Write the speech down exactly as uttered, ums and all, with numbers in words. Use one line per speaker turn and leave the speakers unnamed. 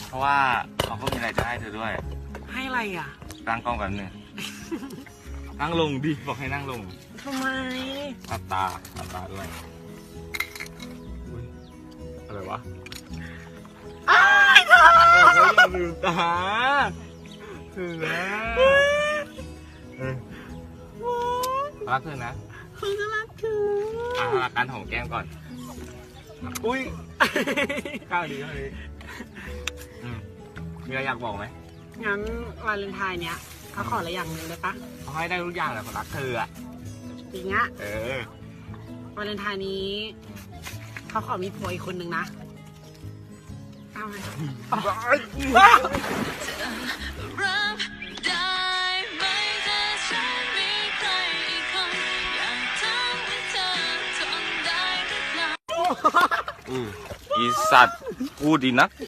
เพราะว่าเขาก็มีอะไรจะให้เธอด้วย
ให้อะไรอ่ะ
ตั้งกล้องแบบนึงนั่งลงดิบอกให้นั่งลง
ทำไม
ตัดตาตัดตาด้วยอะไรวะ
อ้ายเธอ
อย่าลืมตาถึงแล้วรักเธอนะ
เขาจะรักเธอ
อ่ะรักการหอมแก้มก่อนอุ้ยข้าวดีข้าวดีมีอะไรอยากบอกไหม
งั้นวาเลนไทน์เนี้ยเขาขออะไรอย่างหนึ่งได้ปะ
เขาให้ได้ทุกอย่างแหละเขารักเธออ่ะ
จริงอะ
เออ
วาเลนไทน์นี้เขาขอมีผัวอีกคนนึงนะเอาไหม
อืออีสัตว์พูดดีนัก